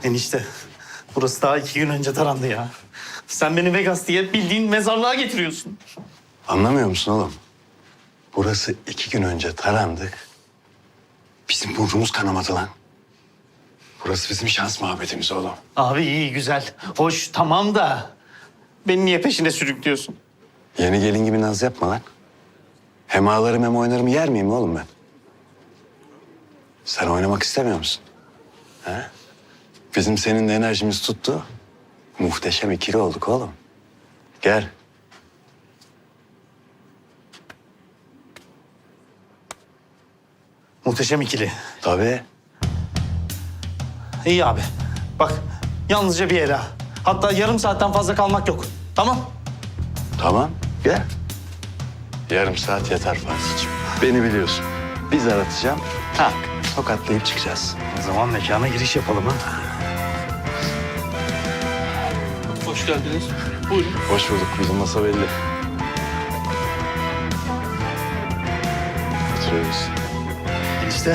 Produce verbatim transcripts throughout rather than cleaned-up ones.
Enişte, burası daha iki gün önce tarandı ya. Sen beni Vegas diye bildiğin mezarlığa getiriyorsun. Anlamıyor musun oğlum? Burası iki gün önce tarandı. Bizim burnumuz kanamadı lan. Burası bizim şans muhabbetimiz oğlum. Abi iyi, güzel, hoş, tamam da... Beni niye peşine sürüklüyorsun? Yeni gelin gibi naz yapma lan. Hem ağlarım hem oynarım yer miyim oğlum ben? Sen oynamak istemiyor musun? He? Bizim seninle enerjimiz tuttu. Muhteşem ikili olduk oğlum. Gel. Muhteşem ikili. Tabii. İyi abi. Bak, yalnızca bir yere. Hatta yarım saatten fazla kalmak yok. Tamam? Tamam, gel. Yarım saat yeter Fatih'ciğim. Beni biliyorsun. Biz aratacağım, tak, tokatlayıp çıkacağız. O zaman mekana giriş yapalım ha. Hoş geldiniz. Buyurun. Hoş bulduk, bizim masa belli. Oturuyoruz. Enişte.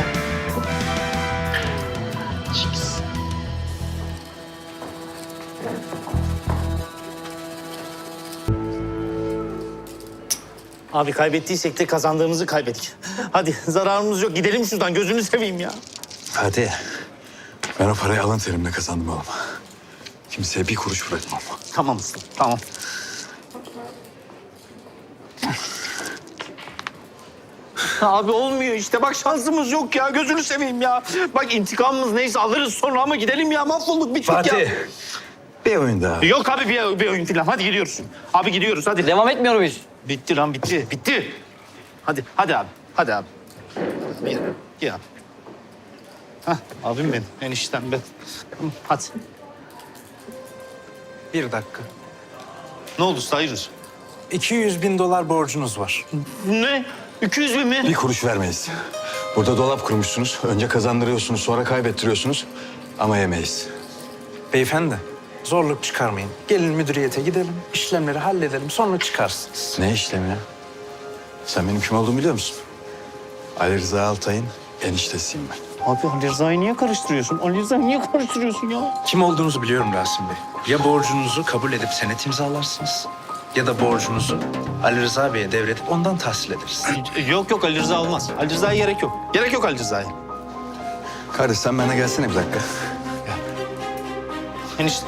Abi kaybettiysek de kazandığımızı kaybettik. Hadi zararımız yok. Gidelim şuradan. Gözünü seveyim ya. Hadi. Ben o parayı alın terimle kazandım oğlum. Kimseye bir kuruş bırakmam. Tamam usta, tamam. Abi olmuyor işte. Bak şansımız yok ya. Gözünü seveyim ya. Bak intikamımız neyse alırız sonra ama gidelim ya. Mahvolduk, bittik ya. Fatih. Bir oyun daha. Yok abi bir, bir oyun falan. Hadi gidiyoruz. Abi gidiyoruz hadi. Devam etmiyor muyuz? Bitti lan bitti. Bitti. Hadi hadi abi. Hadi abi. Gel, gel abi. Hah, abim benim. Eniştem ben. Hı, hadi. Bir dakika. Ne oldu usta, hayırdır? iki yüz bin dolar borcunuz var. Ne? iki yüz bin mi? Bir kuruş vermeyiz. Burada dolap kurmuşsunuz. Önce kazandırıyorsunuz, sonra kaybettiriyorsunuz. Ama yemeyiz. Beyefendi, zorluk çıkarmayın. Gelin müdüriyete gidelim, işlemleri halledelim, sonra çıkarsınız. Ne işlemi ya? Sen benim kim olduğumu biliyor musun? Ali Rıza Altay'ın eniştesiyim ben. Abi Ali Rıza'yı niye karıştırıyorsun? Ali Rıza'yı niye karıştırıyorsun ya? Kim olduğunuzu biliyorum Rasim Bey. Ya borcunuzu kabul edip senet imzalarsınız... ...ya da borcunuzu Ali Rıza Bey'e devredip ondan tahsil ederiz. Yok yok Ali Rıza olmaz. Ali Rıza'ya gerek yok. Gerek yok Ali Rıza'ya. Kardeş sen bana gelsene bir dakika. Enişte.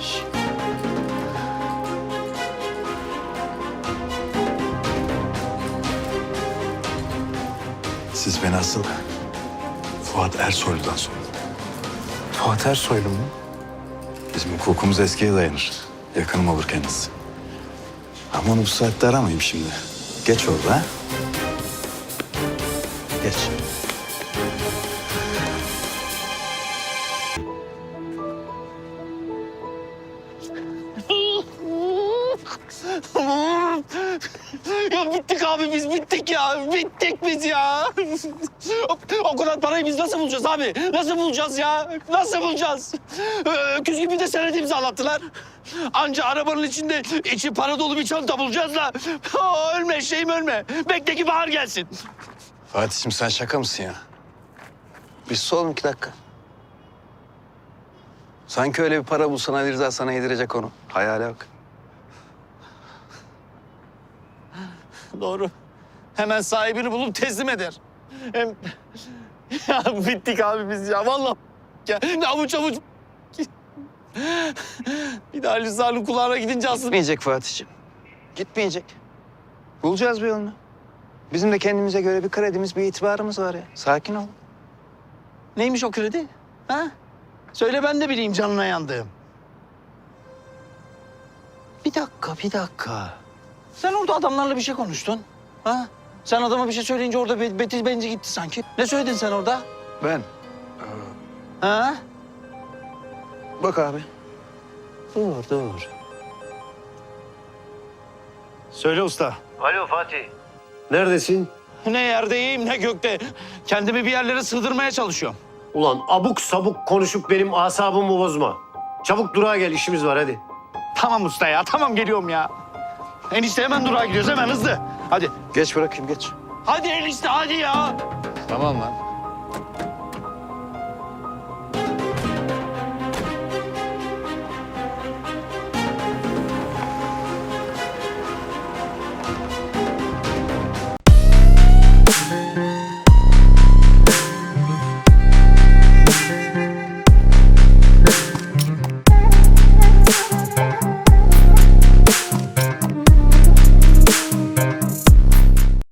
Siz beni asıl Fuat Ersoylu'dan sorun. Fuat Ersoylu mu? Bizim hukukumuz eskiye dayanır. Yakınım olur kendisi. Ama onu bu saatte aramayayım şimdi. Geç oldu ha? Geç. Ya bittik abi biz bittik ya. Bittik biz ya. O kadar parayı biz nasıl bulacağız abi? Nasıl bulacağız ya? Nasıl bulacağız? Öküz gibi de senet imzalattılar. Anca arabanın içinde içi para dolu bir çanta bulacağız da. Aa, ölme şeyim ölme. Bekle ki bahar gelsin. Fatih'im sen şaka mısın ya? Bir sus oğlum iki dakika. Sanki öyle bir para bulsan Ali Rıza sana yedirecek onu. Hayale bak. Doğru. Hemen sahibini bulup teslim eder. Hem... Ya bittik abi biz ya. Vallahi ya. Ne avuç avuç... Bir daha Ali Rıza'nın kulağına gidince aslında... Gitmeyecek Fatih'im. Gitmeyecek. Bulacağız bir yolunu. Bizim de kendimize göre bir kredimiz, bir itibarımız var ya. Sakin ol. Neymiş o kredi? Ha? Söyle ben de bileyim canına yandığım. Bir dakika, bir dakika. Sen orada adamlarla bir şey konuştun. Ha? Sen adama bir şey söyleyince orada be betiz benci gitti sanki. Ne söyledin sen orada? Ben. Ha? Bak abi. Dur, dur. Söyle usta. Alo Fatih. Neredesin? Ne yerdeyim ne gökte. Kendimi bir yerlere sığdırmaya çalışıyorum. Ulan abuk sabuk konuşup benim asabımı bozma. Çabuk durağa gel, işimiz var hadi. Tamam usta ya, tamam geliyorum ya. Enişte hemen durağa gidiyoruz, hemen hızlı. Hadi. Geç bırakayım geç. Hadi enişte, hadi ya. Tamam lan.